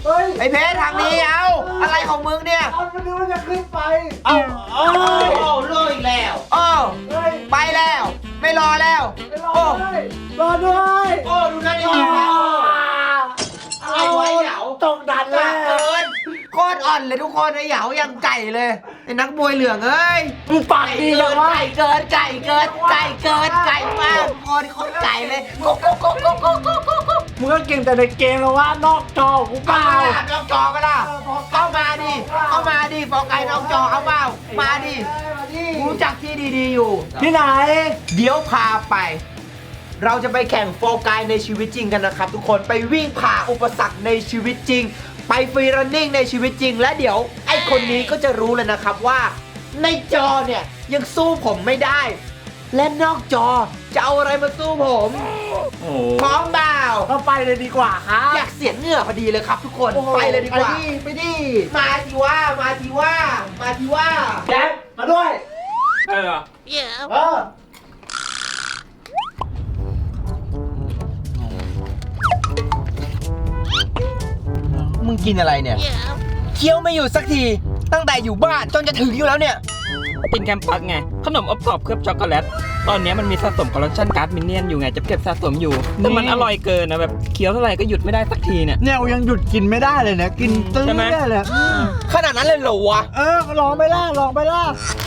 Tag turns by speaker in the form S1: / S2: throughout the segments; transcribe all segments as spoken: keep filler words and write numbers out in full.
S1: เฮ้ย
S2: ไอ้เพชรทางนี้เอาอะไรของมึงเนี่ย
S1: เอามันนึกว่าจะขึ้นไป
S2: เอาเอาเลิกอีกแล้วโอ้
S1: เฮ้ย
S2: ไปแล้ว ไม่รอแล้ว
S1: ไปรอ
S2: โอ้
S1: ด้วยรอด้วย
S2: โอ้ดูนั่นดิอะไรวะเหยา
S1: ตกดัน
S2: หนั
S1: แล้
S2: กเกิ
S1: วน
S2: โคตรอ่อนเลยทุกคนไอ้เหยายังไก่เลยไอ้นักมวยเหลืองเอ้ย
S1: มึงปากดีจังวะ
S2: ไก่เกินไก่เกินไก่เกินไก่มากโคตรโคตรไก่เลยกุ๊กกุ๊กกุ๊กกุ๊กกุ๊กกุ๊กกุ๊ก
S1: มึงก็เก่งแต่ในเกมแล้วว่านอกจอกูเป
S2: เอา
S1: ล่า
S2: มาล่ะนอกจอมาล่ะเข้ามาดิเข้ามาดิฟอกไก่นอกจอเอาเปล่ามาดิกูรู้จักที่ดีๆอยู่
S1: ที่ไหน
S2: เดี๋ยวพาไป เราจะไปแข่งโฟกายในชีวิตจริงกันนะครับทุกคนไปวิ่งผ่าอุปสรรคในชีวิตจริง ไปฟรีรันนิ่งในชีวิตจริง และเดี๋ยวไอ้คนนี้ก็จะรู้เลยนะครับว่าในจอเนี่ยยังสู้ผมไม่ได้ และนอกจอจะเอาอะไรมาสู้ผม
S1: โอ้
S2: พร้อมเปล่า
S1: ก็ไปเลยดีกว่าครับ
S2: อยากเสียเหงื่อพอดีเลยครับทุกคน
S1: โอ้โห
S2: ไปเลยดีกว่า
S1: ไปดิไปดิ
S2: มาทีว่ามาทีว่ามาทีว่า
S1: แจ๊บมาด้วย
S3: ใช่เหรอ
S1: เออ
S2: มึงกินอะไรเนี่ยเคี้ยวไม่อยู่สักทีตั้งแต่อยู่บ้านจนจะถึงอยู่แล้วเนี่ย
S3: กินแคมปัสไง ขนมอบกรอบเคลือบช็อกโกแลต ตอนนี้มันมีสะสมคอลเลคชันการ์ดมินเนี่ยนอยู่ไง จะเก็บสะสมอยู่ แต่มันอร่อยเกินนะแบบเคี้ยวเท่าไหร่ก็หยุดไม่ได้สักทีเนี่ย
S1: เนี่ยยังหยุดกินไม่ได้เลยนะกินตื้อ
S3: ใช่ไหม
S1: ได้เลยอืม
S2: ขนาดนั้นเลยเหรอวะ
S1: เออลองไปล่ะลองไปล่ะ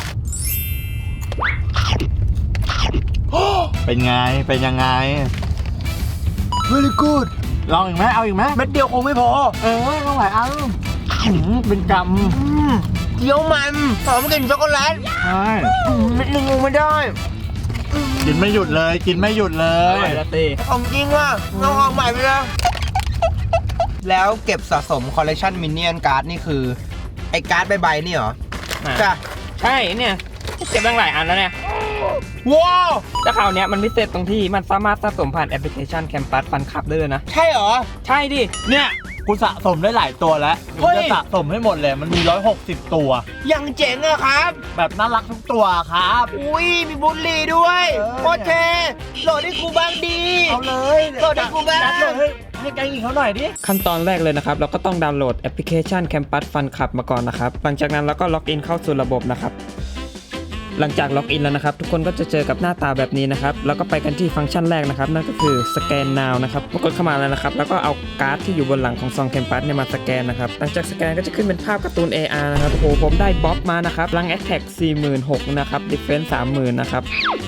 S1: เป็นไงเป็นยังไง
S2: very good
S1: ลองอีกไหมเอาอีกไหม
S2: เม็ดเดียวคงไม่พอ
S1: เออต้องหลายอันอืมเป็นก
S2: อืมเคี้ยวมันหอมกลิ่นช็อกโกแลต
S1: ำใช่
S2: อืมเม็ดหนึงคงไม่ได้
S1: กินไม่หยุดเลยกินไม่หยุดเล
S3: อย ร่อยละตี
S2: ของจริงว่ะเอาออกใหม่ไปแล้วแล้วเก็บสะสมคอลเลคชันมินเนี่ยนการ์ดนี่คือ ไอ้การ์ดใบๆนี่เหรอจ้ะ
S3: ใช่เนี่ยเก็บตั้งหลายอันแล้วเนี่ย
S2: ว้าว
S3: แต่คราวเนี้ยมันพิเศษตรงที่มันสามารถสะสมผ่านแอปพลิเคชันแคมปัสฟันคับได้เลยนะ
S2: ใช่เหรอ
S3: ใช่ดิ
S1: เนี่ยกูสะสมได้หลายตัวแล้ว
S2: เฮ้ย
S1: จะสะสมให้หมดเลยมันมีหนึ่งร้อยหกสิบตัว
S2: ยังเจ๋งอะครับ
S1: แบบน่ารักทุกตัวครับ
S2: อุ้ยมีบุหรี่ด้วย
S1: เออ
S2: โคตรเท่โหลดให้กูบ้างดี
S1: เอาเลย
S2: โหลดให้กูบ้าง
S1: จัดเลยให้แกงอีกเขาหน่อยดิ
S3: ขั้นตอนแรกเลยนะครับ เราก็ต้องดาวน์โหลดแอปพลิเคชัน Campus Fun Club มาก่อนนะครับ หลังจากนั้นเราก็ล็อกอินเข้าสู่ระบบนะครับ หลังจากล็อกอินแล้วนะครับ ทุกคนก็จะเจอกับหน้าตาแบบนี้นะครับ แล้วก็ไปกันที่ฟังก์ชันแรกนะครับ นั่นก็คือสแกน now นะครับกดเข้ามาแล้วนะครับ แล้วก็เอาการ์ดที่อยู่บนหลังของซอง Campus เนี่ยมาสแกนนะครับ หลังจากสแกนก็จะขึ้นเป็นภาพการ์ตูน เอ อาร์ นะครับ โอ้โห ผมได้บ๊อบมานะครับพลัง Attack สี่หมื่นหกพัน นะครับ Defense สามหมื่น นะครับ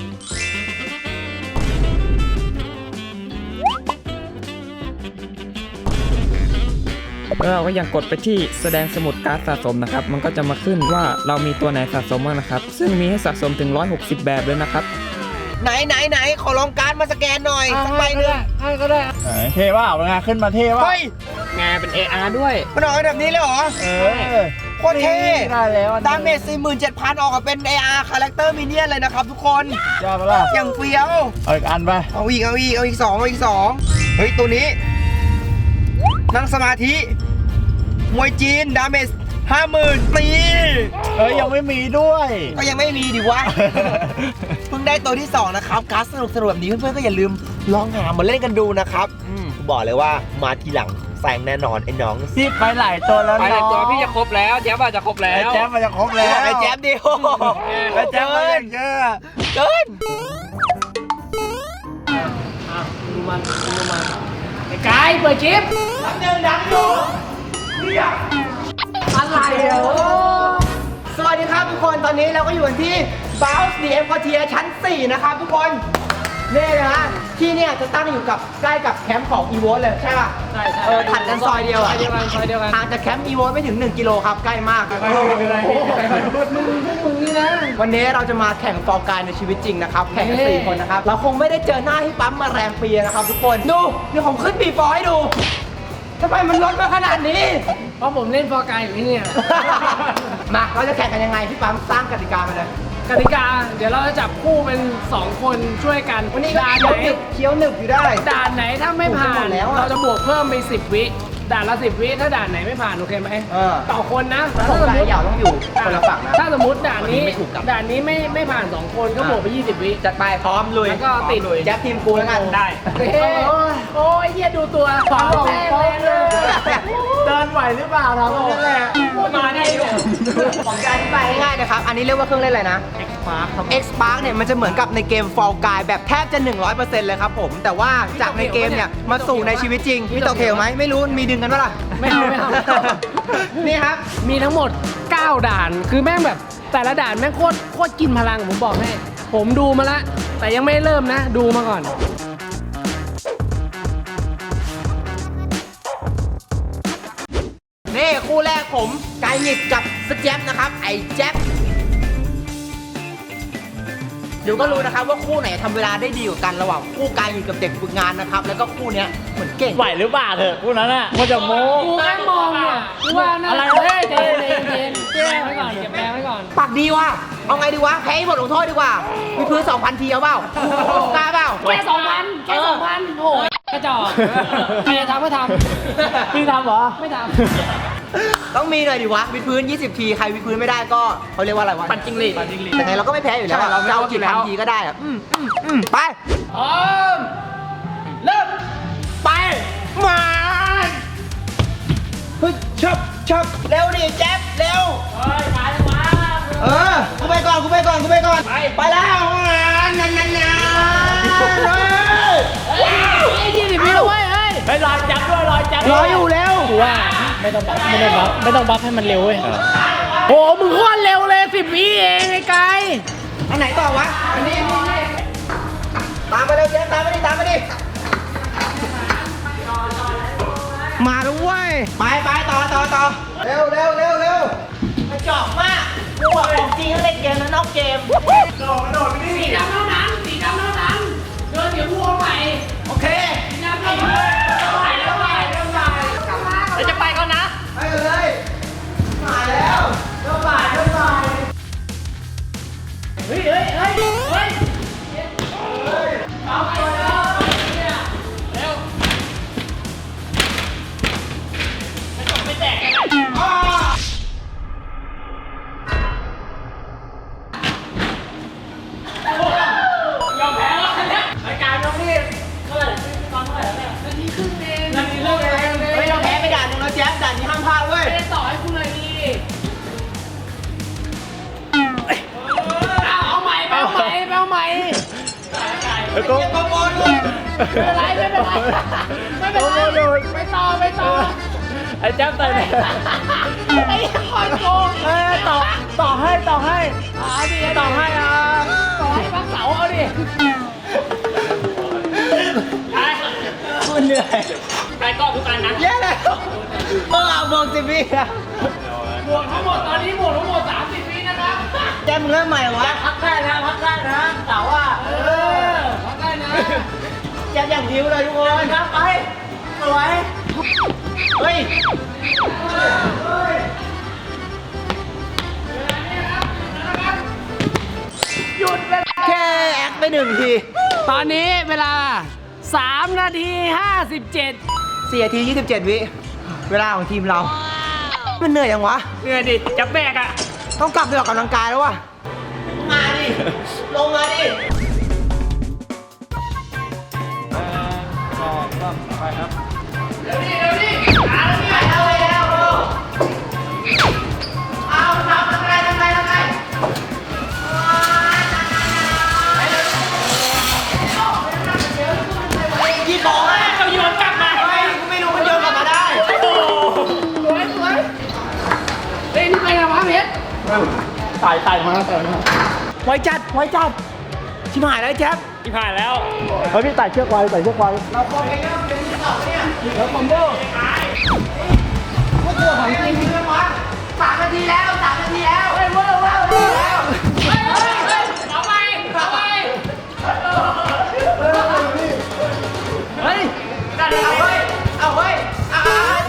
S3: แล้วเราก็ยังกดไปที่แสดงสมุดการ์ดสะสมนะครับ มันก็จะมาขึ้นว่าเรามีตัวไหนสะสมบ้างนะครับ ซึ่งมีให้สะสมถึงหนึ่งร้อยหกสิบแบบเลยนะครับ
S2: ไหนไหนไหนขอลองการ์ดมาสแกนหน่อยสักใบหนึ่ง
S1: ให้ก็ได้เท่ว่าเป็นไงขึ้นมาเท่ว่า
S2: เฮ้ย
S3: งานเป็น เอ อาร์ ด้วย
S2: มันออกแบบนี้เลยเหรอ
S1: เออ
S2: โคตรเท่
S1: ได้แล้วอันนี้
S2: ดาเมจ สี่หมื่นเจ็ดพัน ออกมาเป็น เอ อาร์ คาแรคเตอร์มินเนี่ยนเลยนะครับทุกคน
S1: ยอดปะล่ะ
S2: อย่างเฟี้ยว
S1: เอาอีกอันไป
S2: เอาอีกเอาอีกเอาอีกสองเอาอีกสองเฮ้ยตัวนี้ นั่งสมาธิมวยจีนดาเมจห้าหมื่นตี
S1: เอ้ยยังไม่มีด้วย
S2: ก็ยังไม่มีดิวะ เพิ่งได้ตัวที่สองนะครับการ์ดสนุกสนุกแบบนี้เพื่อนๆก็อย่าลืมลองหามาเล่นกันดูนะครับอืมบอกเลยว่ามาทีหลังแซงแน่นอนไอ้น้อง
S1: พี่ไปหลายตัวแล้ว
S3: ไปเลยตัว
S1: น้อง
S3: พี่จะครบแล้วแจ๊บว่าจะครบแล้
S1: ไอ้
S3: ว
S1: แจ๊บมันจะครบแล้ว
S2: ไอ้แจ๊บดิโอ
S1: ไอ้แจ๊บมันยังเยอะ
S2: เกิน
S1: ดูมันดูมันไอ้กายเปิดชิป
S2: ดังเดินดังอยู่เนี่ย
S1: อะไรอ่ะ
S2: สวัสดีครับทุกคนตอนนี้เราก็อยู่กันที่ Bounce ดี เอ็ม Quartier ชั้น สี่นะครับทุกคนนี่นะฮะที่เนี่ยจะตั้งอยู่กับใกล้กับแคมป์ของ อี โว ใช่ใช่ป่ะ
S3: ใช่ใช่
S2: เออถัดกันซอยเดียว
S3: ซ
S2: อะ
S3: อยเดียวกันซอยเดียวกัน
S2: ห่างจากแคมป์ อี โว ไม่ถึงหนึ่งกิโลครับใกล้มาก
S1: มึงนี่นะ
S2: วันนี้เราจะมาแข่งฟอร์กายในชีวิตจริงนะครับแข่งกันสี่คนนะครับเราคงไม่ได้เจอหน้าที่ปั๊มมาแรมปีนะครับทุกคนดูเดี๋ยวผมขึ้นบีฟอร์ให้ดูทำไมมันลดมาขนาดนี้
S4: เพราะผมเล่นฟอร์กายอยู่ที่เนี่ย
S2: มาเราจะแข่งกันยังไงพี่ปั๊มสร้างกติกามาเลย
S4: กติกาเดี๋ยวเราจะจับคู่เป็นสองคนช่วยกัน
S2: วันนี้ก็
S4: ด่าน
S2: เคี้
S4: ไห
S2: ยวน หนึบเคี้ยวหนึบอยู่ได้
S4: ด่านไหนถ้าไม่ผ่า
S2: หม
S4: น
S2: ดแล้วอะ
S4: เราจะบวกเพิ่มไปสิบวิด่านละสิบวิถ้าด่านไหนไม่ผ่านโอเคไหม
S2: เออ
S4: ต่อคนนะ
S2: แล้วผมกับไอ้เหยาต้องอยู่คนละฝั่งนะ
S4: ถ้าสมมติด่านนี้
S2: วันนี้ไม่ถูกกับ
S4: ด่านนี้ไม่ไม่ผ่านสองคนก็บวกไปยี่สิบวิ
S2: จัดไปพร้อมลุย
S4: แล้วก็ติด
S2: พร้อมลุยแจ็คทีมกูแล้วกัน
S3: ได้
S4: เฮ้ยโอ้ยเฮียดูตัวสองแต้มเลยเลย
S1: เดิน
S4: หรือเปล่าเรา
S2: นั่นแหละ
S1: มาได้เลย
S2: ผมจะอธิบายง่ายๆนะครับ อันนี้เรียกว่าเครื่องเล่นอะไรนะ
S1: X Spark ครับ
S2: X Spark เนี่ยมันจะเหมือนกับในเกม Fall Guys แบบแทบจะ หนึ่งร้อยเปอร์เซ็นต์ เลยครับผม แต่ว่าจากในเกมเนี่ยมาสู่ในชีวิตจริง มีตกเทลไหมไม่รู้ มีดึงกันปะล่ะ
S4: ไม่เอาไม่เอา
S2: นี่ครับ
S4: มีทั้งหมดเก้าด่าน คือแม่งแบบแต่ละด่านแม่งโคตรโคตรกินพลังผมบอกให้ ผมดูมาละแต่ยังไม่เริ่มนะ ดูมาก่อน
S2: นี่คู่แรกผมไกหงิดกับสแจ๊บนะครับ ไอ้แจ๊บเดี๋ยวก็รู้นะครับว่าคู่ไหนทำเวลาได้ดีกว่ากันระหว่างคู่ไกหงิดกับเด็กฝึกงานนะครับ แล้วก็คู่เนี้ยเหมือนเก่ง
S1: ไหวหรือเปล่าเถอะพวกนั้นอ่ะมันจะโม้
S4: กูแค่มองเนี่ยกูว่าน่า
S1: อะไร
S4: เฮ้ยเจนเจนเจนเก็บแรงไว้ก่อนเก็บแรงไว้ก่อน
S2: ปากดีว่ะเอาไงดีวะแพ้ให้หมดลงโทษดีกว่ามีพื้นสองพันทีเอาเปล่ากล้าเปล่า
S4: แค่สองพันแค่สองพันโอ้ยกระจอกใครจะทำก็ทำ
S1: พี่ทำเหรอ
S4: ไม่ท
S2: ต้องมีหน่อยดิวะวิดพื้นยี่สิบทีใครวิดพื้นไม่ได้ก็เขาเรียกว่าอะไรวะ
S1: ปั่นจิ้งหรีดปั่นจิ้งหรีด
S2: แต่ไงเราก็ไม่แพ้อยู่แล้วอะ
S1: ใช่เราไม่
S2: จะเอา
S1: ลดอยู่
S2: กี่
S1: แล้ว
S2: พันทีก็ได้อะอืมอืมอืมไป
S4: ำพร้อมเริ่ม
S2: ไปมาเฮ้ยชับชับเร็วดิแจ๊บเร็ว
S4: เฮ้ยมาเลยมา
S2: เออกูไปก่อนกูไปก่อนกูไปก่อนไปไปแล้วนั่นนั่นนั่น
S4: เฮ้ยยี่สิบวิแล้วเว้ยเฮ้ย
S1: ไปรอยจับด้วยรอยจับ
S2: รออยู่แล้ว
S1: กูว่าไม่ต้องบัฟไม่ต้องบัฟไม่ต้องบัฟให้มันเร็วเว้ย
S4: โอ้มึงโคตรเร็วเลยสิบวิเองไอ้ไก่
S2: อันไหนต่อวะอันนี้ตามมาเร็วเจ๊ตามมาดิตามมาดิมาแล้วเว้ยไปไปต่อต่อต่อเร็วเร็วเร็วเร็วกระจอกมากกูบอกของจริงเล่นเกมแล้วนอกเกม
S4: สีดำเท่านั้นสีดำเท่านั้นเดินเดี๋ยวพูดใหม่
S2: โอเค
S4: สีดำเท่านั้นใหม่แล้วใหม่แล้วใหม่กลับมา
S1: เราจะไปก่อนนะ
S2: ไปกันเลยมาแล้วเริ่มบ่ายเริ่มบ่าย
S4: เฮ้ยเฮ้ยเฮ้ยเฮ้ยเอาไปแล้วเนี่ยเร็ว
S1: ไม่แตกกันนะ
S2: อ้า
S4: ยอมแพ้แล้วเนี่ย
S1: รายการน้องนี่เท่าไหร่ตอนเท่าไหร่แล้วเนี่ย
S4: นาทีครึ่งเอง
S1: นาทีครึ่งเอง
S2: เฮ้ยเราแพ้ไปด่านหนึงแล้วแจ๊บด่านนี้ห้ามพลาดเว้ย
S4: ไม่ได้ต่อให้คุณเลยดีเอาเอาใหม่ไปเอาใหม่ไปเอาใหม่
S1: แล้วก็
S2: เก็บกระโปรงด้วย
S4: ไม่เป็นไรไม่เป็นไรไม่เป็นไรไปต่อไปต่อ
S1: ไอ้แจ๊บใส่ไหน
S4: ไอ้คอยโกง
S1: เออต่อต่อให้ต่อให้
S4: เอาดิ
S1: ต่อให้อ่ะ
S4: ต่อให้พักเสาเอาดิ
S2: คุณเหนื่อย
S1: ไปก็ทุกอันนะ
S2: แย่แล้วเมื่อเอาบวกสิบวิอะ
S4: บวกทั้งหมดตอนนี้บวกทั้งหมดสามสิบวินะครับ
S2: แจ๊บมึงเริ่มใหม่เหรอวะ
S1: พักได้นะพักได้นะแต่ว่า
S4: เออพักได้นะ
S2: แจ๊บอย่างผิวเลยทุกคนครับไปสวยเฮ้ยหยุดไปแค่แอคไปหนึ่งที
S4: ตอนนี้เวลาสามนาทีห้าสิบเจ็ด
S2: สี่นาทียี่สิบเจ็ดวิเวลาของทีมเรา มันเหนื่อยยังวะ
S1: เหนื่อยดิจับแบกอ่ะ
S2: ต้องกลับไปออกกำลังกายแล้ววะมาดิ ลงมาดิ
S4: เดี๋ยวนี้เดี๋ยวนี้อ่าเดี๋ยวนี้
S2: ไปแล้วไปแล้วโอ้เอาทำทำไงทำไงทำไงยี่บอกเลย
S1: เราโยนกลับมา
S2: เฮ้ยกูไม่รู้มันโยนกลับมาได้
S4: สวยสวยเฮ้ยนี่ไปไหนวะเพชร
S1: ตายตายมาตายมา
S2: ไว้จัด ไว้จัด ชิบหายแล้วแจ๊บ
S1: ที่ผ่านแล้วเฮ้ยพี่ไต่เชือกไว้ไต่เชือกไว้
S2: เราคอมเองก็เป็นที่สองเนี่ย
S1: แล้วคอมโบ
S2: พวกตัวของจริงเพื่อนวะสามนาทีแล้วสามนาทีแล้วเฮ้ยว้าวว้าวว้าว
S4: เฮ้ยเฮ้ยเฮ้ยเอาไปเอาไป
S2: เฮ้ยเอาเฮ้ยเอาเฮ้ยเอา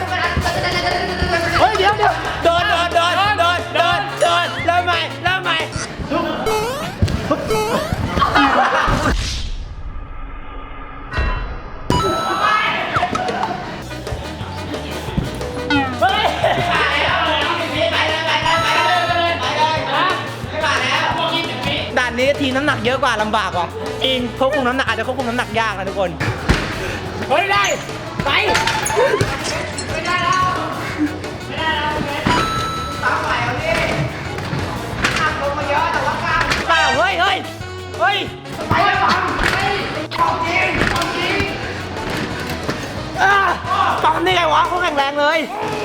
S2: เฮ้ยเดี๋ยวเดี๋ยวเดินเดินเดินเดินเดินเดินเริ่มใหม่เริ่มใหม่เฮ้ยไปเลยไปเลยไปเลยไปเลยไปเลยไม่ผ่านแล้วด่านนี้ทีมน้ำหนักเยอะกว่าลำบากว่ะจริงควบคุมน้ำหนักอาจจะควบคุมน้ำหนักยากนะทุกคน
S4: เฮ้ยได้ไปไม่ได้แล้ว
S2: รงเลย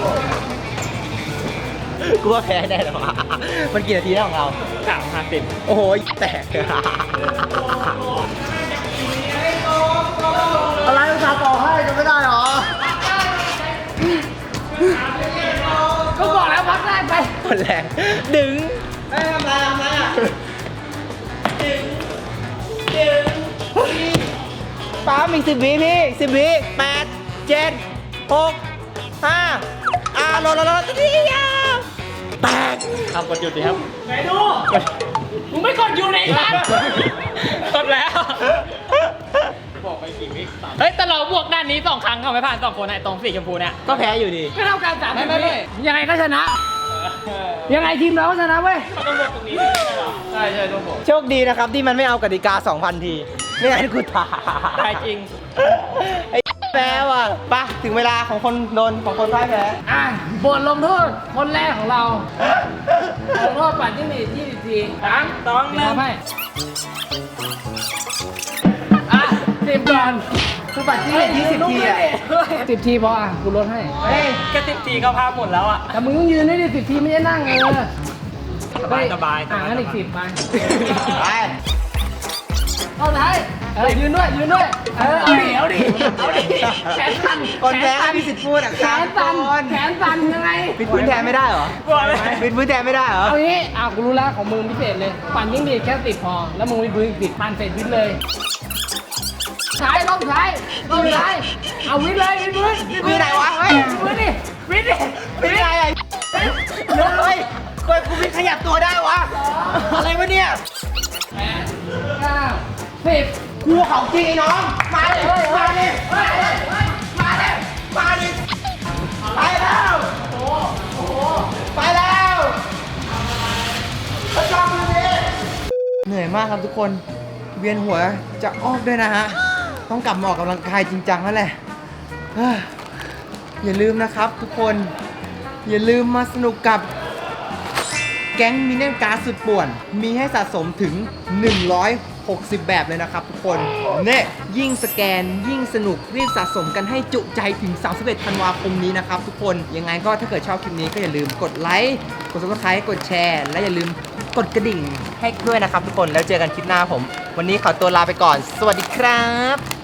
S2: กูว่าแพ้แน่เลยว่ะมันกี่นาทีแล้วของเรา
S3: สามห้าสิบ
S2: โอ้โหแตกอะไรอุตส่าห์บอกให้จะไม่ได้หรอ
S4: ก็บอกแล้วพักได้ไป
S2: หมดแรงดึงไม่ทำไรทำไรอ่ะดึงดึงป้ามีสิบวิพี่สิบวิแปดเจ็ดหกห้าอ่าลดลดลดทีเดียวแตก
S3: ทำกดหยุดดีครับ
S4: ไหนดูมึงไม่กดอยู่ในร้าน
S3: กดแล้ว บอกไปกี่วิเฮ้ย แต่เราบวกด้านนี้สองครั้งเขาไม่ผ่านสองคนไอ้ตรงสีชมพูเนี่ย
S2: ก็แพ้อยู่ดี
S4: ก็เท่ากันสาม
S3: ไม่ไม่ไม่
S4: ยังไงก็ชนะ ยังไงทีมเราก็ชนะเว้ย
S3: ใช่ใช่ต้องบอก
S2: โชคดีนะครับที่มันไม่เอากติกา สองพัน ทีไม่งั้นกูตาย
S3: ใช่จริง
S2: ไอ้แพ้ว่ะไปถึงเวลาของคนโดนของคนพ่ายแพ้
S4: อ่ะบทลงโทษคนแรกของเราลงโทษปัดจิ้งหรีดยี่สิบทีสามสองหนึ่งให้อ่ะสิบก่อน
S2: คือบัตรที่ยี่สิบทีอ่ะ
S4: สิบทีพออ่ะกูลดให้
S2: เฮ้ย
S3: แค่สิบทีก็ภาพหมดแล้วอ่ะ
S4: แต่มึงต้องยืนให้ดิสิบทีไม่ใช่นั่งเออ
S3: สบายสบาย
S4: อ่ะงั้นอีกสิบไป
S2: ไป
S4: เอาไหนเออยืนด้วยยืนด้วยเออเอาดิเอาดิเอาดิแขนสั่น
S2: คนแพ้ไม่มีสิทธิ์พูดอ่ะ
S4: แขนสั่นแขนสั่นยังไง
S2: ปิดพื้นแทนไม่ได้เหรอ
S3: บอกเลย
S2: ปิดพื้นแทนไม่ได้เหรอ
S4: เอางี้อ่ะกูรู้แล้วของมึงพิเศษเลย ปั่นยิ่งดีดแค่สิบพอ แล้วมึงวิดพื้นอีกสิบปั่นเสร็จวิดเลยใช้ต้องใช้ต้องใช้เอาวิดเลยวิดพื้น
S2: วิดไหนวะเฮ้ย
S4: วิดพื้นดิวิดดิ
S2: ปิดอะไรอ่ะเฮ้ยเฮ้ยกูไม่ขยับตัวได้วะ อะไรวะเนี่ย
S4: แปดเก้าสิบ
S2: กูของจริงไอ้น้อง มาดิมาดิมาดิมาดิมาดิไปแล้วไปแล้วประจำเลยเหนื่อยมากครับทุกคน เวียนหัวจะออกด้วยนะฮะ ต้องกลับมาออกกำลังกายจริงจังแล้วแหละเฮ้ยอย่าลืมนะครับทุกคน อย่าลืมมาสนุกกับ แก๊งมินเนี่ยนการ์ดสุดป่วน มีให้สะสมถึง หนึ่งร้อยหกสิบ แบบเลยนะครับทุกคนเนี่ยยิ่งสแกนยิ่งสนุกรีบสะสมกันให้จุใจถึง สามสิบเอ็ด ธันวาคมนี้นะครับทุกคน ยังไงก็ถ้าเกิดชอบคลิปนี้ก็อย่าลืมกดไลค์ กด ซับสไครบ์ กดแชร์ และอย่าลืมกดกระดิ่งให้ด้วยนะครับทุกคน แล้วเจอกันคลิปหน้าผม วันนี้ขอตัวลาไปก่อน สวัสดีครับ